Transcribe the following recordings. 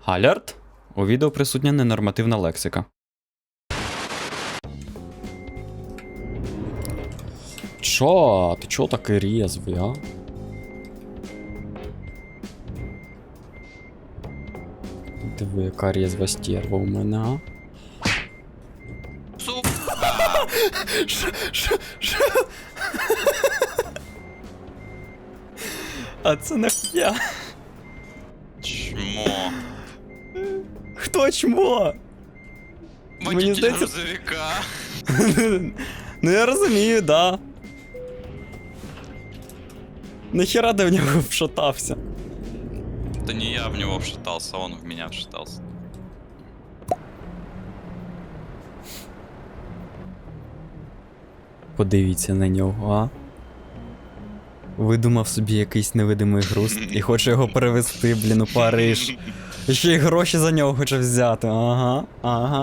Алерт! У відео присутня ненормативна лексика. Чо? Ти чо такий рєзвий, а? Диви, яка рєзва стерва у мене, а? Шо? А це нахуя? Чмо. Хто чмо? Водитель здається- грузовика. Ну я розумію, да. Нахера ти в нього вшатався? Да не я в него вшатался, он в меня вшатался. Подивіться на нього, а? Видумав собі якийсь невидимий груз і хоче його перевезти, блін, у Париж. І ще й гроші за нього хоче взяти. Ага.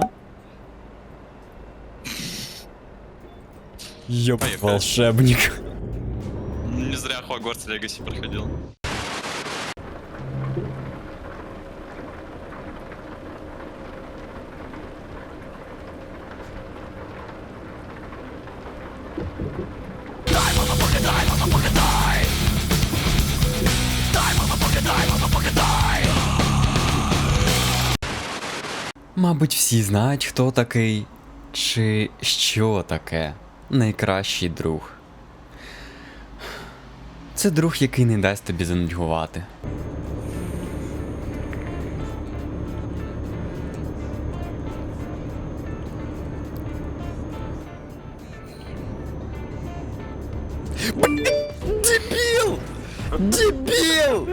Ёп, Поехали. волшебник. Не зря Хогвартс Легаси проходил. Мабуть, всі знають, хто такий, чи що таке найкращий друг. Це друг, який не дасть тобі занудьгувати. Дебіл! Дебіл!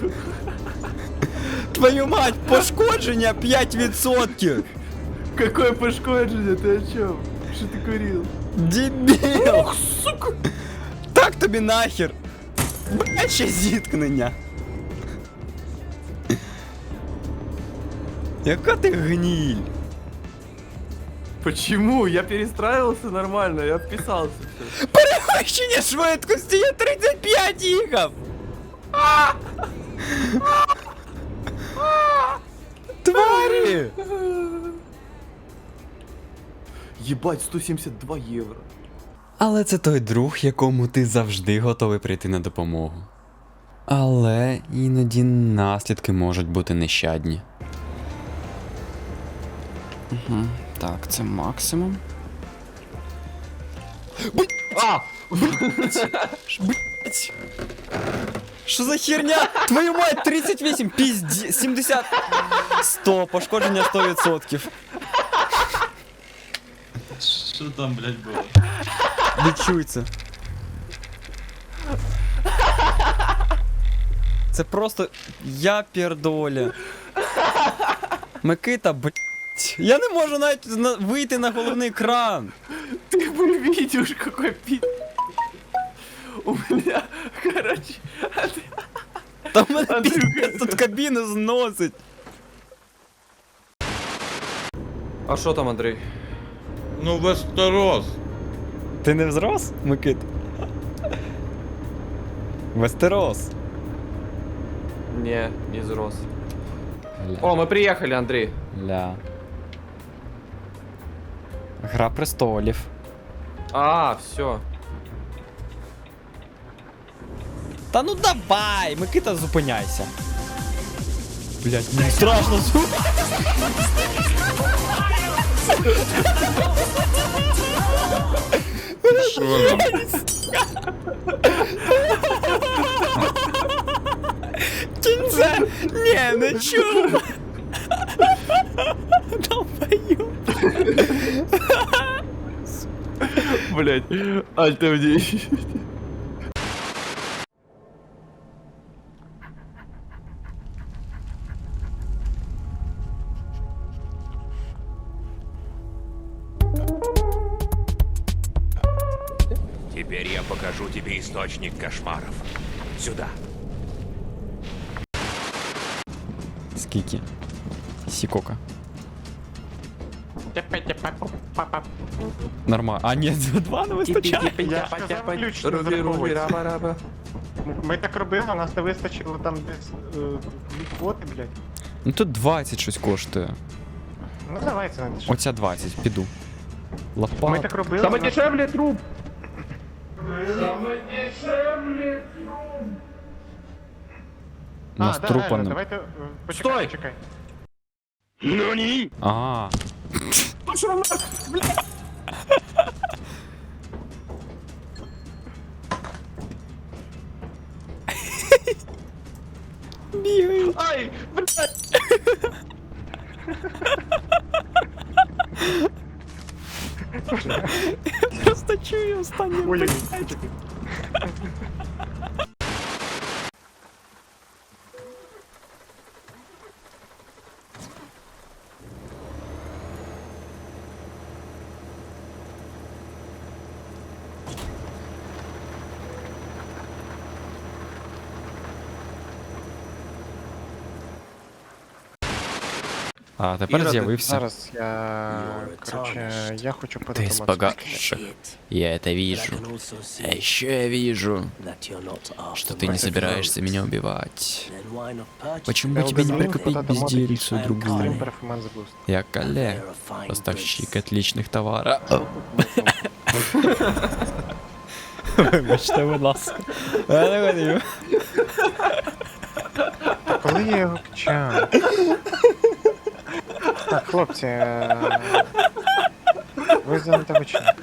Твою мать, пошкодження 5%! Какое пошкодження? Ти о чому? Що ти курив? Дебіл! Ох, сука! Так тобі нахер! Баче зіткнення! Яка ти гніль! Почему? Я перестраивался нормально, я вписался все. Перевищення швидкості, я 35 їхав! Тварі! Ебать, 172 евро. Але це той друг, якому ти завжди готовий прийти на допомогу. Але іноді наслідки можуть бути нещадні. Угу. Так, це максимум. А! Блять! Що за херня? Твою мать, 38, пізді, 70, 100, пошкодження 100%. Что там, блядь, было? Відчується. Це просто я пердоля. Микита, блять. Я не можу навіть вийти на головний екран. Ты бы видишь, какой пи... У меня, короче... Та в мене Андрюха. піздець тут кабіну зносить. А что там, Андрей? Ну, Вестерос. Ти не взрос, Микит? Вестерос. Не взрос. Ля. О, мы приехали, Андрей. Ля. Гра престолів. А, все. Та ну давай, Микита, зупиняйся. Блять, мені страшно Що там? Кінце! Ні, не чув! Долбою! Блять, альтовней. Теперь я покажу тебе источник кошмаров. Сюда. Скільки? Сікока. Нормально. А ні, два не вистачає. Я сказав ключ не зараховується. Ми так робили, у нас не вистачило там десь 2 квоти, блядь. Ну тут 20 щось коштує. Ну давай це не дешевле. Оця 20, піду. Ми Лопат. так робили. Саме у нас- дешевле труп. У нас да, трупа реально, не. давайте. Почекай, Стой! почекай. А. Бігаю. Ай, блядь. Просто чую останнє. Ой, А тепер Іра, з'явився. Зараз короче, я хочу Ты подумати. испугавших. Я это вижу. А еще я вижу, что ты не собираешься меня убивать. Почему бы тебе не прикупить безделицу другую? Extreme Performance Boost. Я Кале, поставщик отличных товаров. Вибачте, будь ласка. Коли я його качаю? Так, хлопці, ви зайняті ви чим?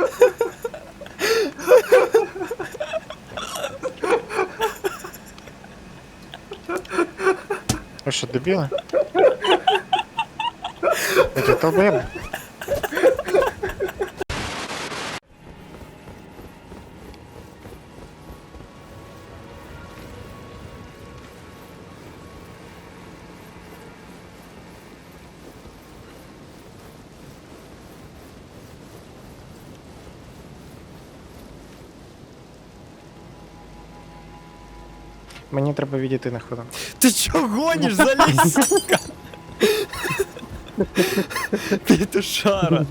Ви що, дебіли? Ви що, долбоєби? Мені треба відійти на хвилину. Ти чо гониш, залізь, сука? Петушара.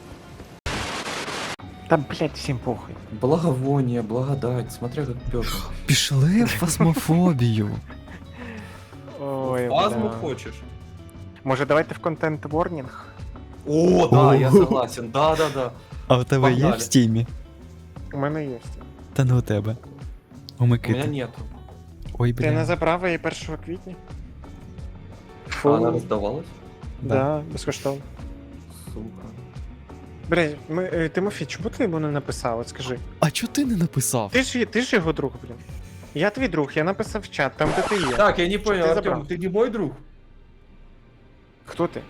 Та, блядь, всім похуй. Благовоние, благодать, смотря как Петр. Пішли в фасмофобію. Ой, Азму бля. хочешь? Може, давайте в контент ворнінг? О, да, я согласен, да. А у тебе є в Погнали. стімі? У мене є. Та не у тебе. У У меня Микити. нету. Ой, Ти не бля. забрав її 1 квітня? А она раздавалась? Да, безкоштовно. Сука. Блядь, Тимофій, чому ти йому не написав? От скажи. А чо ти не написав? Ти ж його друг, блін. Я твій друг, я написав в чат, там де ти є. Так, я не понял, ты Артем, забрал? ты не мой друг? Хто ти?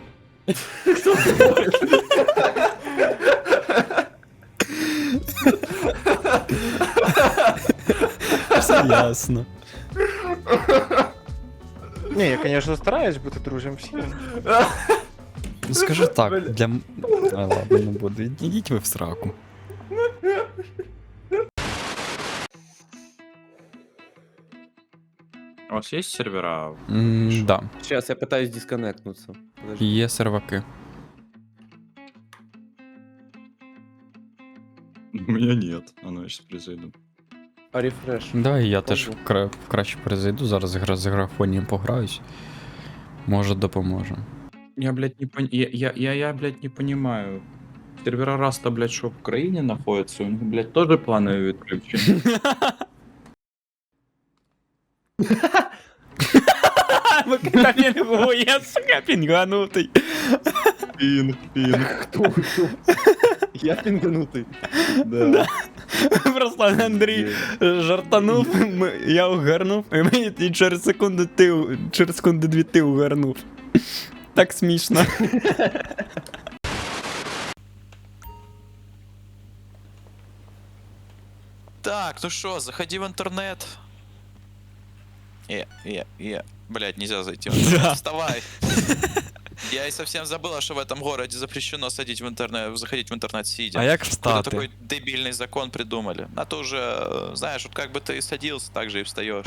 Все ясно. Ні, я, звісно, стараюсь бути друзем всім. Ну скажу так, для... А, ладно, не буду. Ідіть ви в сраку. У вас есть сервера? Да, Сейчас я пытаюсь дисконнектнуться. Подожди. є серваки. У меня нет. А ну я сейчас призайду. А рефреш? Да, і я теж краще перезайду, зараз з графонієм пограюсь. Може допоможе. Я, блядь, я, блядь, не понимаю. Сервера Раста, блядь, что в Украине находятся, у них, блядь, тоже плановые отключения. Микита пінгує, сука, пінганутий. Пинг. Я пинганутый. Да. Просто Андрій жартанув, я угорнув, і через секунду дві ти угорнув. Так смішно. Так, ну что, заходи в интернет. Блядь, нельзя зайти в интернет. Да. Вставай. Я и совсем забыла, что в этом городе запрещено заходить в интернет сидя. А як Какой-то встати? такой дебильный закон придумали. А то уже, знаешь, вот как бы ты садился, так же и встаешь.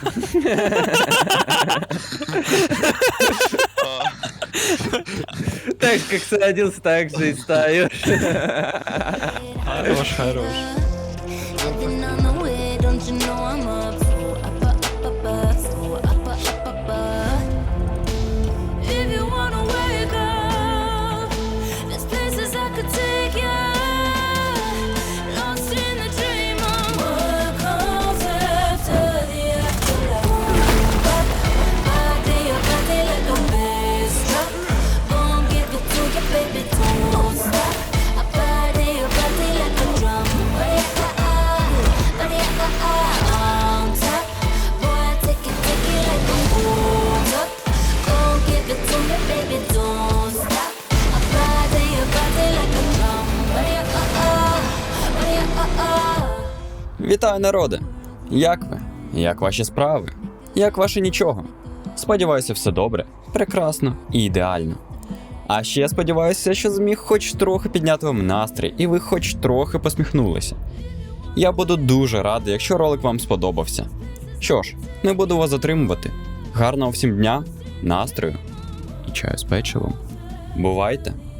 Так как садился, так же и встаешь. Хорош, хорош. I've been on the way, don't you know I'm up? So up, up, up, up, so up, up, up, up, up. Вітаю, народе! Як ви? Як ваші справи? Як ваше нічого? Сподіваюся, все добре, прекрасно і ідеально. А ще сподіваюся, що зміг хоч трохи підняти вам настрій і ви хоч трохи посміхнулися. Я буду дуже радий, якщо ролик вам сподобався. Що ж, не буду вас затримувати. Гарного всім дня, настрою і чаю з печивом. Бувайте!